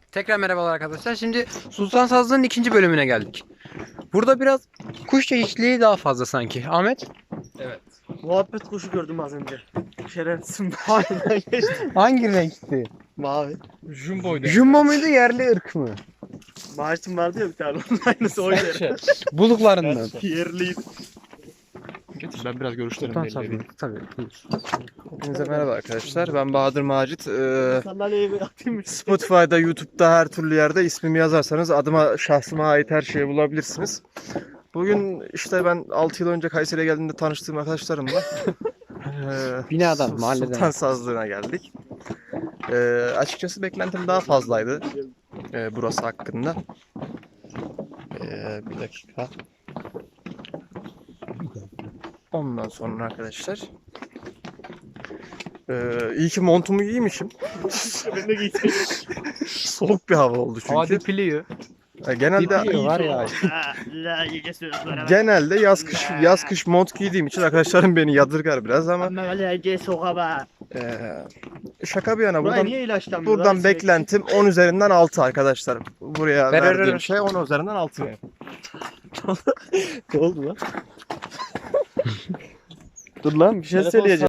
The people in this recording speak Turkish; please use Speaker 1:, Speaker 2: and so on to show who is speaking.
Speaker 1: Tekrar merhabalar arkadaşlar. Şimdi Sultan Sazlı'nın ikinci bölümüne geldik. Burada biraz kuş çeşitliliği daha fazla sanki. Ahmet?
Speaker 2: Evet.
Speaker 3: Muhabbet kuşu gördüm az önce. Şerefsizim.
Speaker 1: Hangi renkti?
Speaker 3: Mavi.
Speaker 2: Jumbo'ydu.
Speaker 1: Jumbo muydu, yerli ırk mı?
Speaker 3: Maaşım vardı ya bir tane onun aynısı oydu.
Speaker 1: Buluklarından.
Speaker 3: Yerliydi.
Speaker 2: Getir ben biraz görüşlerimi
Speaker 1: Sultan
Speaker 2: belli
Speaker 1: Sazlı.
Speaker 2: edeyim.
Speaker 1: Tabii. Buyur.
Speaker 2: Hepinize merhaba arkadaşlar. Ben Bahadır Macit.
Speaker 3: Sandalyeye bir atayım mı?
Speaker 2: Spotify'da, YouTube'da her türlü yerde ismimi yazarsanız adıma, şahsıma ait her şeyi bulabilirsiniz. Bugün işte ben 6 yıl önce Kayseri'ye geldiğimde tanıştığım arkadaşlarımla
Speaker 1: Binadan, mahalleden.
Speaker 2: Sultan Sazlığı'na geldik. Açıkçası beklentim daha fazlaydı burası hakkında. Bir dakika. Ondan sonra arkadaşlar iyi ki montumu giymişim.
Speaker 3: Ben de giyseydim.
Speaker 2: Soğuk bir hava oldu çünkü.
Speaker 1: Hadi piliyor.
Speaker 2: Genelde
Speaker 1: Dipiliyor var ya.
Speaker 3: La iyice sözlere bak.
Speaker 2: genelde yaz kış mont giydiğim için arkadaşlarım beni yadırgar biraz ama
Speaker 3: Ama öyle iyice sokağa bak.
Speaker 2: şaka bir yana
Speaker 3: Buraya
Speaker 2: buradan
Speaker 3: niye ilaçlanmıyor?
Speaker 2: buradan beklentim 10 üzerinden 6 arkadaşlar. Buraya
Speaker 1: Ver.
Speaker 2: verdiğim şey 10 üzerinden 6 yani.
Speaker 3: Ne oldu lan?
Speaker 2: Dur lan bir şey söyleyeceğim.